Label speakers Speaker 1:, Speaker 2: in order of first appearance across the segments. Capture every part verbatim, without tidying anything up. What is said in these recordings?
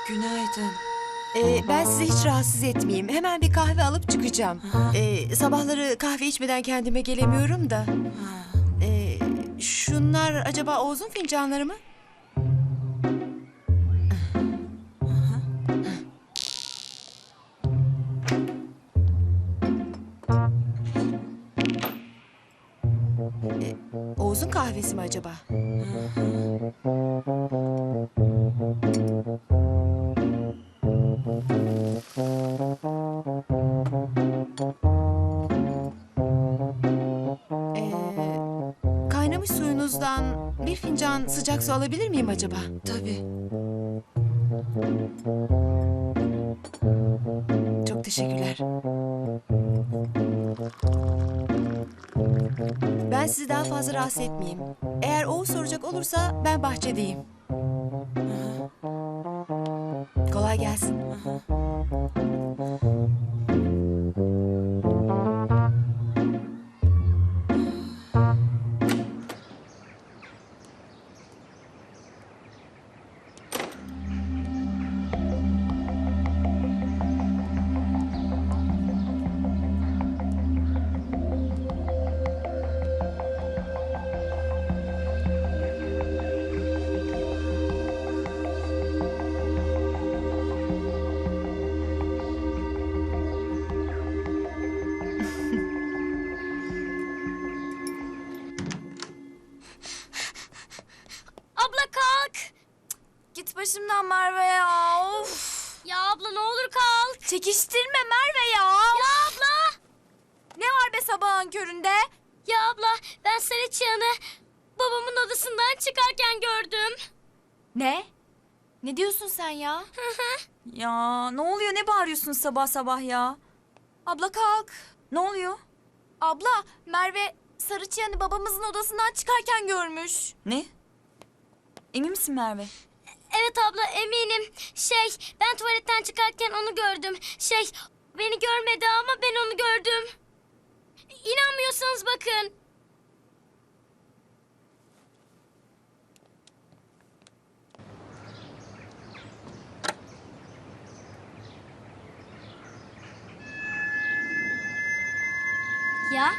Speaker 1: Günaydın.
Speaker 2: Ee, ben sizi hiç rahatsız etmeyeyim. Hemen bir kahve alıp çıkacağım. Ee, sabahları kahve içmeden kendime gelemiyorum da. Ee, şunlar acaba Oğuz'un fincanları mı? Ee, Oğuz'un kahvesi mi acaba? Ee, kaynamış suyunuzdan bir fincan sıcak su alabilir miyim acaba?
Speaker 1: Tabii.
Speaker 2: Çok teşekkürler. Ben sizi daha fazla rahatsız etmeyeyim. Eğer Oğuz soracak olursa ben bahçedeyim. Kolay gelsin.
Speaker 3: Abla kalk.
Speaker 4: Git başımdan Merve ya. Of.
Speaker 3: Ya abla ne olur kalk.
Speaker 4: Çekiştirme Merve ya.
Speaker 3: Ya abla.
Speaker 4: Ne var be sabahın köründe?
Speaker 3: Ya abla ben Sarıçıyan'ı babamın odasından çıkarken gördüm.
Speaker 4: Ne? Ne diyorsun sen ya?
Speaker 5: Ya ne oluyor, ne bağırıyorsun sabah sabah ya?
Speaker 4: Abla kalk.
Speaker 5: Ne oluyor?
Speaker 4: Abla Merve Sarıçıyan'ı babamızın odasından çıkarken görmüş.
Speaker 5: Ne? Emin misin Merve?
Speaker 3: Evet abla eminim. Şey ben tuvaletten çıkarken onu gördüm. Şey beni görmedi ama ben onu gördüm. İnanmıyorsanız bakın. Ya?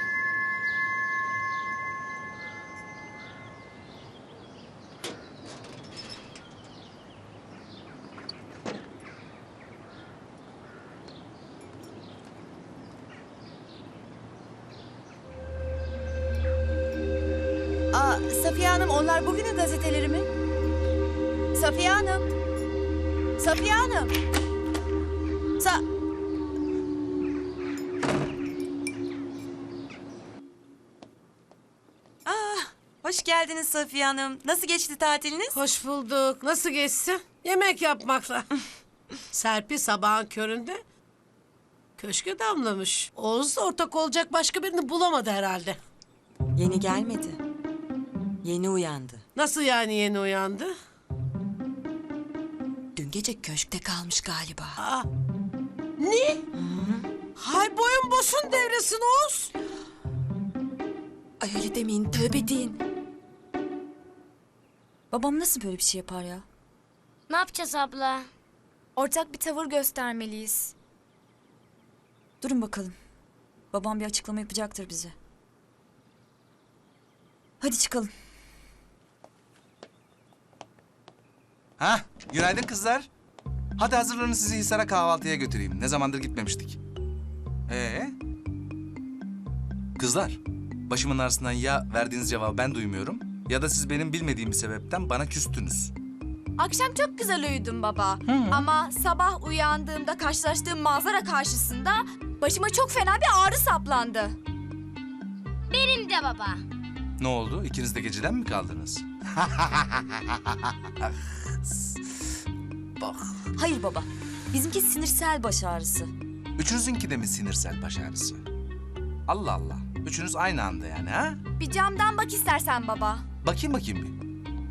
Speaker 2: Aa, Safiye Hanım, onlar bugünün gazeteleri mi? Safiye Hanım. Safiye Hanım. Sa...
Speaker 5: Hoş geldiniz Safiye Hanım. Nasıl geçti tatiliniz?
Speaker 6: Hoş bulduk. Nasıl geçsin? Yemek yapmakla. Serpil sabahın köründe köşke damlamış. Oğuz da ortak olacak başka birini bulamadı herhalde.
Speaker 1: Yeni gelmedi. Yeni uyandı.
Speaker 6: Nasıl yani yeni uyandı?
Speaker 1: Dün gece köşkte kalmış galiba.
Speaker 6: Aa, ne? Hay boyun bosun devresin Oğuz.
Speaker 1: Ay öyle demeyin, tövbe deyin.
Speaker 5: Babam nasıl böyle bir şey yapar ya?
Speaker 3: Ne yapacağız abla?
Speaker 4: Ortak bir tavır göstermeliyiz.
Speaker 5: Durun bakalım. Babam bir açıklama yapacaktır bize. Hadi çıkalım.
Speaker 7: Ha, günaydın kızlar. Hadi hazırlanın, sizi Hisar'a kahvaltıya götüreyim. Ne zamandır gitmemiştik. Ee? Kızlar, başımın arasından ya verdiğiniz cevabı ben duymuyorum ya da siz benim bilmediğim bir sebepten bana küstünüz.
Speaker 4: Akşam çok güzel uyudum baba. Ama sabah uyandığımda karşılaştığım manzara karşısında başıma çok fena bir ağrı saplandı.
Speaker 3: Benim de baba.
Speaker 7: Ne oldu? İkiniz de geceden mi kaldınız? Bak,
Speaker 5: Hayır baba. Bizimki sinirsel baş ağrısı.
Speaker 7: üçünüzünki de mi sinirsel baş ağrısı? Allah Allah. Üçünüz aynı anda yani ha?
Speaker 4: Bir camdan bak istersen baba.
Speaker 7: Bakayım bakayım bir.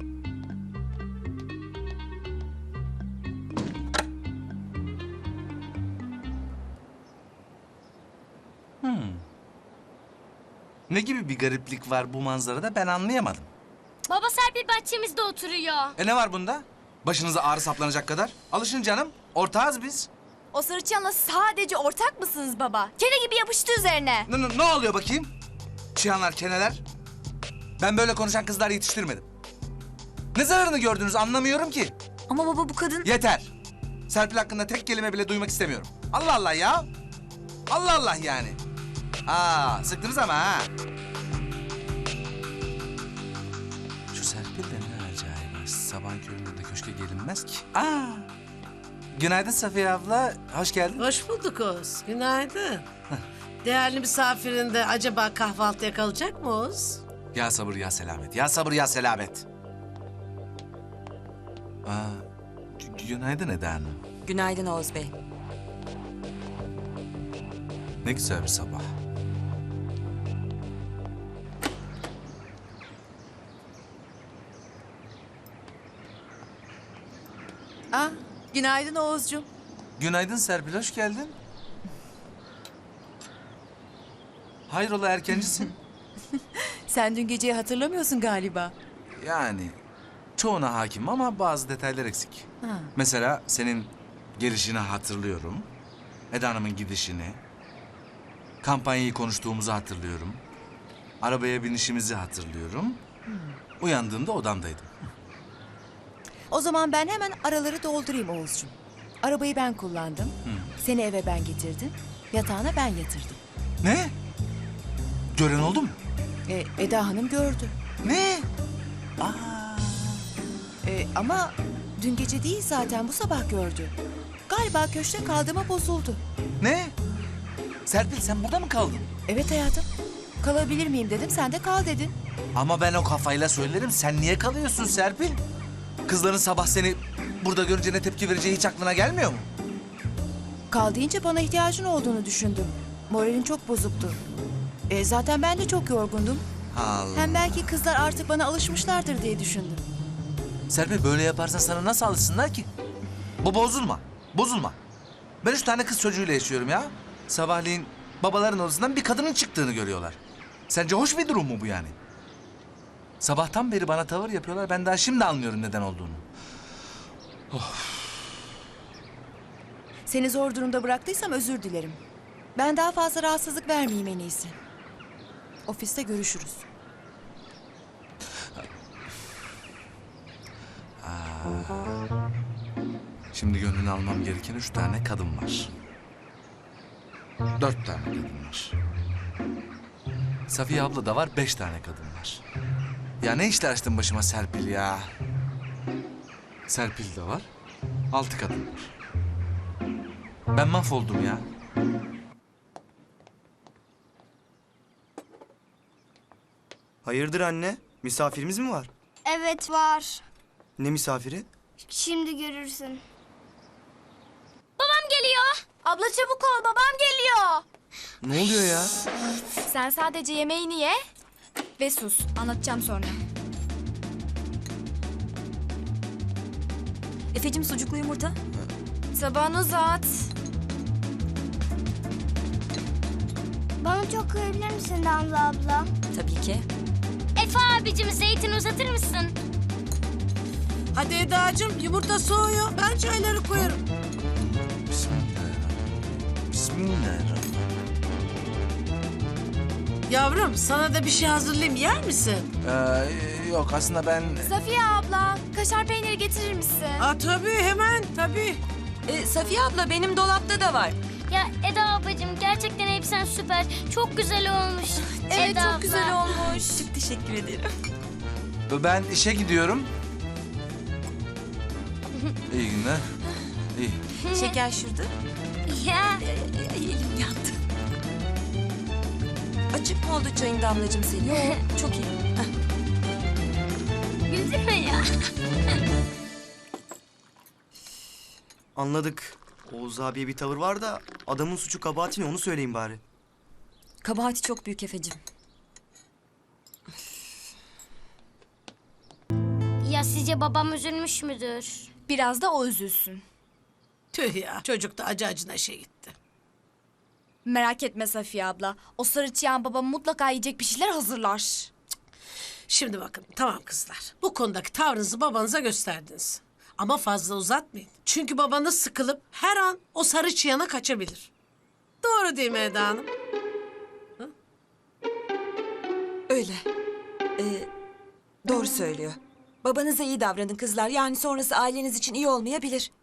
Speaker 7: Hmm. Ne gibi bir gariplik var bu manzarada ben anlayamadım.
Speaker 3: Baba Serpil bahçemizde oturuyor.
Speaker 7: E ne var bunda? Başınıza ağrı saplanacak kadar. Alışın canım. Ortağız biz.
Speaker 4: O Sarıçıyan'la sadece ortak mısınız baba? Kene gibi yapıştı üzerine.
Speaker 7: Ne, ne, ne oluyor bakayım? Çıyanlar, keneler. Ben böyle konuşan kızlar yetiştirmedim. Ne zararını gördünüz anlamıyorum ki.
Speaker 5: Ama baba bu kadın...
Speaker 7: Yeter. Serpil hakkında tek kelime bile duymak istemiyorum. Allah Allah ya. Allah Allah yani. Aa, sıktınız ama ha. Şu Serpil de ne acayip. Sabahın köründe de köşke gelinmez ki. Aa. Günaydın Safiye abla. Hoş geldin.
Speaker 6: Hoş bulduk Oğuz. Günaydın. Değerli misafirin de acaba kahvaltıya kalacak mı Oğuz?
Speaker 7: Ya sabır ya selamet. Ya sabır ya selamet. Aa, gü- günaydın Eda Hanım.
Speaker 1: Günaydın Oğuz Bey.
Speaker 7: Ne güzel bir sabah.
Speaker 2: Ah, günaydın Oğuzcuğum.
Speaker 7: Günaydın Serpil, hoş geldin. Hayrola erkencisin?
Speaker 2: Sen dün geceyi hatırlamıyorsun galiba.
Speaker 7: Yani çoğuna hakim ama bazı detaylar eksik.
Speaker 2: Ha.
Speaker 7: Mesela senin gelişini hatırlıyorum. Eda Hanım'ın gidişini. Kampanyayı konuştuğumuzu hatırlıyorum. Arabaya binişimizi hatırlıyorum. Uyandığımda odamdaydım.
Speaker 2: O zaman ben hemen araları doldurayım Oğuzcuğum. Arabayı ben kullandım. Seni eve ben getirdim. Yatağına ben yatırdım.
Speaker 7: Ne? Gören oldu mu?
Speaker 2: E, Eda Hanım gördü.
Speaker 7: Ne?
Speaker 2: E, ama dün gece değil zaten bu sabah gördü. Galiba köşkte kaldığıma bozuldu.
Speaker 7: Ne? Serpil sen burada mı kaldın?
Speaker 2: Evet hayatım. Kalabilir miyim dedim, sen de kal dedin.
Speaker 7: Ama ben o kafayla söylerim. Sen niye kalıyorsun Serpil? Kızların sabah seni burada görünce ne tepki vereceği hiç aklına gelmiyor mu?
Speaker 2: Kal deyince bana ihtiyacın olduğunu düşündüm. Moralin çok bozuktu. E, zaten ben de çok yorgundum.
Speaker 7: Allah.
Speaker 2: Hem belki kızlar artık bana alışmışlardır diye düşündüm.
Speaker 7: Serpil böyle yaparsan sana nasıl alışsınlar ki? Bu bozulma. Bozulma. Ben üç tane kız çocuğuyla yaşıyorum ya. Sabahleyin babaların odasından bir kadının çıktığını görüyorlar. Sence hoş bir durum mu bu yani? Sabahtan beri bana tavır yapıyorlar. Ben daha şimdi anlıyorum neden olduğunu.
Speaker 2: Seni zor durumda bıraktıysam özür dilerim. Ben daha fazla rahatsızlık vermeyeyim en iyisi. Ofiste görüşürüz.
Speaker 7: Şimdi gönlünü almam gereken üç tane kadın var. Dört tane kadın var. Safiye abla da var, beş tane kadın var. Ya ne işler açtın başıma Serpil ya? Serpil de var, altı kadın var. Ben mahvoldum ya.
Speaker 8: Hayırdır anne? Misafirimiz mi var?
Speaker 3: Evet var.
Speaker 8: Ne misafiri?
Speaker 3: Şimdi görürsün. Babam geliyor.
Speaker 4: Abla çabuk ol, babam geliyor.
Speaker 8: Ne oluyor ya?
Speaker 4: Sen sadece yemeğini ye ve sus. Anlatacağım sonra.
Speaker 5: Efe'cim sucuklu yumurta.
Speaker 4: Tabağını uzat.
Speaker 3: Bana çok koyabilir misin Damla abla?
Speaker 5: Tabii ki.
Speaker 3: Efe abicim zeytin uzatır mısın?
Speaker 6: Hadi Eda'cığım yumurta soğuyor. Ben çayları koyarım.
Speaker 7: Bismillahirrahmanirrahim. Bismillahirrahmanirrahim.
Speaker 6: Yavrum sana da bir şey hazırlayayım, yer misin?
Speaker 7: Ee, yok aslında ben...
Speaker 4: Safiye abla, kaşar peyniri getirir misin?
Speaker 6: Aa, tabii hemen tabii.
Speaker 1: E, Safiye abla benim dolapta da var.
Speaker 3: Ya Eda ablacığım gerçekten elbisen süper. Çok güzel olmuş.
Speaker 4: Evet,
Speaker 3: Eda
Speaker 4: çok
Speaker 3: abla.
Speaker 4: güzel olmuş.
Speaker 5: Çok teşekkür ederim.
Speaker 7: Ben işe gidiyorum. İyi günler. İyi.
Speaker 5: Şeker şurada.
Speaker 3: Ya
Speaker 5: Ay, elim yandı. Açık mı oldu çayın Damlacığım senin? Yok, çok iyi.
Speaker 3: gülsene ya.
Speaker 8: Anladık. Oğuz abiye bir tavır var da adamın suçu kabahati ne onu söyleyin bari.
Speaker 5: Kabahati çok büyük Efe'cim.
Speaker 3: Ya sizce babam üzülmüş müdür?
Speaker 4: Biraz da o üzülsün.
Speaker 6: Tüh ya, çocuk da acı acına şey gitti.
Speaker 4: Merak etme Safiye abla. O Sarıçıyan babam mutlaka yiyecek bir şeyler hazırlar.
Speaker 6: Şimdi bakın tamam kızlar. Bu konudaki tavrınızı babanıza gösterdiniz. Ama fazla uzatmayın. Çünkü babanız sıkılıp her an o sarı çiyana kaçabilir. Doğru değil mi Eda Hanım?
Speaker 1: Öyle. Ee, doğru söylüyor. Babanıza iyi davranın kızlar. Yani sonrası aileniz için iyi olmayabilir.